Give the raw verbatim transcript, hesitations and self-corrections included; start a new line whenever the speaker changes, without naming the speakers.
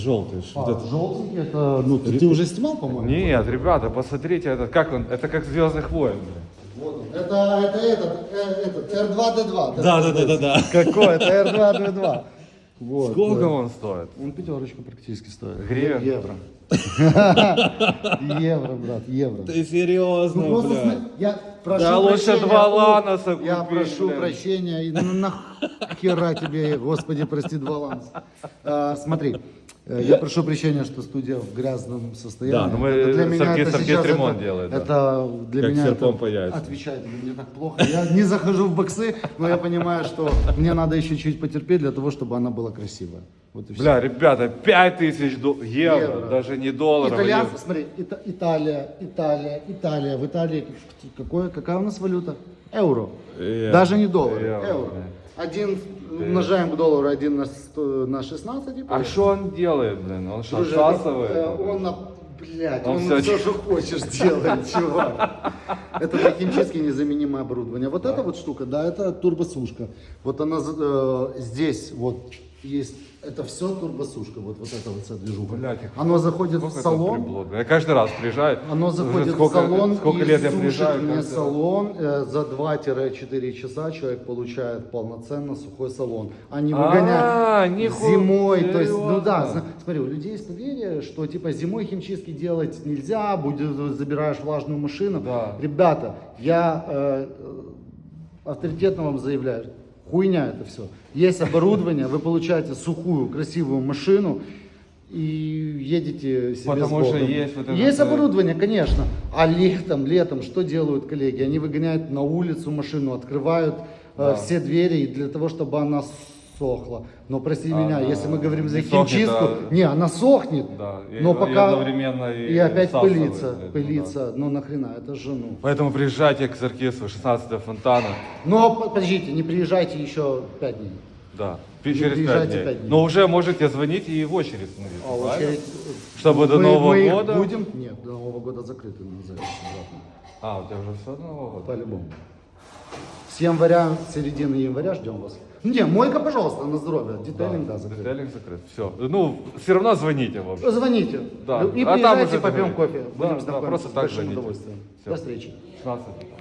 Желтый.
А,
Вот это.
желтенький, это, ну, ты, ты уже снимал, по-моему?
Нет, ребята, посмотрите, это как он, это как Звездных войн. блин.
Вот он. Это, это этот, э, этот, эр два дэ два.
Да, да, да, да, да.
Какой? Это эр два дэ два. Вот,
Сколько
да.
он стоит?
Он пятерочку практически стоит.
Гривен?
Евро. Евро, брат, евро.
Ты серьезно,
Ну, просто
бля.
см- я прошу
Да лучше
прощения,
два
у-
ланоса
Я
купить,
прошу
блин.
прощения. И ну нахера тебе, Господи, прости, два ланоса. А, смотри, э, я прошу прощения, что студия в грязном состоянии.
Да, ну мы
Это для
с
меня
оркестром
это сейчас
ремонт
это-
делает, да.
Это для
Как
меня
серпом
это
по яйцам.
отвечает мне так плохо. Я не захожу в боксы, но я понимаю, что мне надо еще чуть потерпеть для того, чтобы она была красивая. Вот и все.
Бля, ребята, пять тысяч до- евро,
Евро.
даже не долларов.
Итальянцы,
евро.
смотри, Ита- Италия, Италия, Италия. В Италии какое, какая у нас валюта? Евро.
Евро.
Даже не доллар,
Евро,
евро.
да.
Один умножаем к доллару, один на, сто- на шестнадцать. и
А что он делает, блин? Он что,
Друже,
всасывает?
э, Он, на- блядь,
Он
он,
всё
все,
ч-
что хочешь делает, чувак. Это для химчистки незаменимое оборудование. Вот эта вот штука, да, это турбосушка. Вот она э, здесь вот есть. Это все турбосушка, вот, вот эта вот вся движуха.
Блядь, их
Оно заходит
Сколько
в
это
салон,
приблуд? Я каждый раз приезжаю.
оно
уже
заходит
сколько,
в салон
сколько
и
лет я
сушит
приезжаю.
мне
каждый раз.
салон. Э, за два-четыре часа человек получает полноценно сухой салон. А не
А,
выгоняют
нихуя,
зимой. То есть, ну да,
серьезно?
зна- смотри, у людей есть поверье, что типа зимой химчистки делать нельзя, будет, забираешь влажную машину.
Да.
Ребята, я э, авторитетно вам заявляю, хуйня это все. Есть оборудование, вы получаете сухую, красивую машину и едете себе
Потому
с
что
Богом.
есть вот это
Есть
вот-
оборудование, конечно. А летом, летом что делают коллеги? Они выгоняют на улицу машину, открывают э,
Да.
все двери для того, чтобы она сохла. Но прости меня,
Она
если мы говорим за
не сохнет,
химчистку,
а-
не, она сохнет,
Да, и-
но
и
пока
одновременно и
и опять
всасывает,
пылится,
блядь, ну
пылится. Ну нахрена, это же ну.
Поэтому приезжайте к оркестру шестнадцатого фонтана.
Но по- подождите, не приезжайте еще пять дней.
Да, пи- через пять
приезжайте
дней.
пять дней.
Но уже можете звонить и в очередь становиться,
А
правильно?
очередь,
Чтобы до
мы-
Нового
мы их
года?
будем? Нет, до Нового года закрыты на запись обратно.
А, у тебя уже все до Нового года?
По-любому. С января, с середины января ждем вас. Ну, не, мойка, пожалуйста, на здоровье. Детейлинг, да, закрыт.
Детейлинг закрыт. Все. Ну, все равно звоните, в общем.
Звоните.
Да.
И
А там
приезжайте,
уже
попьем
договорились.
кофе.
Да,
Будем
да,
знакомиться
просто
с
так
большим
звоните.
удовольствием.
Всё.
До встречи.
шестнадцатого